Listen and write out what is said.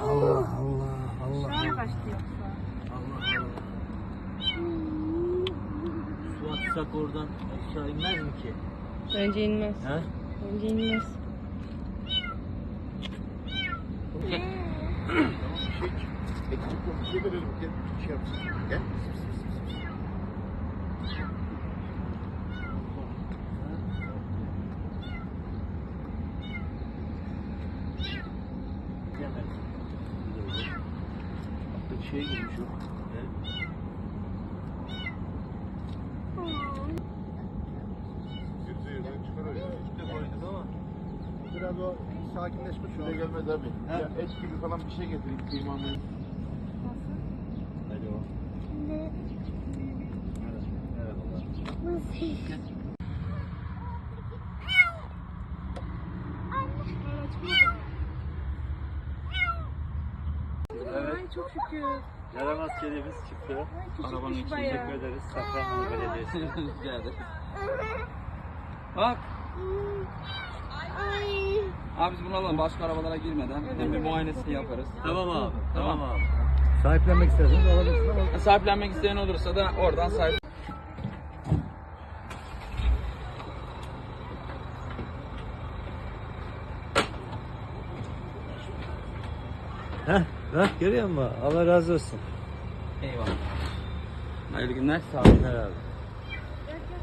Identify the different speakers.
Speaker 1: Allah Allah Allah.
Speaker 2: Aşağıya kaçtı yoksa.
Speaker 1: Allah Allah. Su atsak oradan aşağı inmez mi ki?
Speaker 3: Bence inmez.
Speaker 1: He?
Speaker 3: Bence inmez.
Speaker 4: Ekmek bir şey verelim. Gel bir şey yapsın. Gel. Bir şeye girmiş o. Biraz o sakinleşmiş. Şuraya gelmez abi. Ya et gibi falan bir şey getireyim kıymanı. Alo.
Speaker 2: Ay çok şükür.
Speaker 1: Yaramaz kedimiz çıktı.
Speaker 2: Arabanın içinde.
Speaker 1: Teşekkür ederiz. Safranbolu Belediyesi.
Speaker 5: Rica ederim. Bak. Abi biz bunu alalım başka arabalara girmeden. Hem bir muayenesini yaparız.
Speaker 1: Tamam abi. Tamam abi.
Speaker 4: Sahiplenmek isterseniz alabilirsiniz ama
Speaker 5: Sahiplenmek isteyen olursa da oradan sahip.
Speaker 1: Bak görüyor musun? Allah razı olsun.
Speaker 5: Eyvallah. Hayırlı günler.
Speaker 1: Sağ olun abi.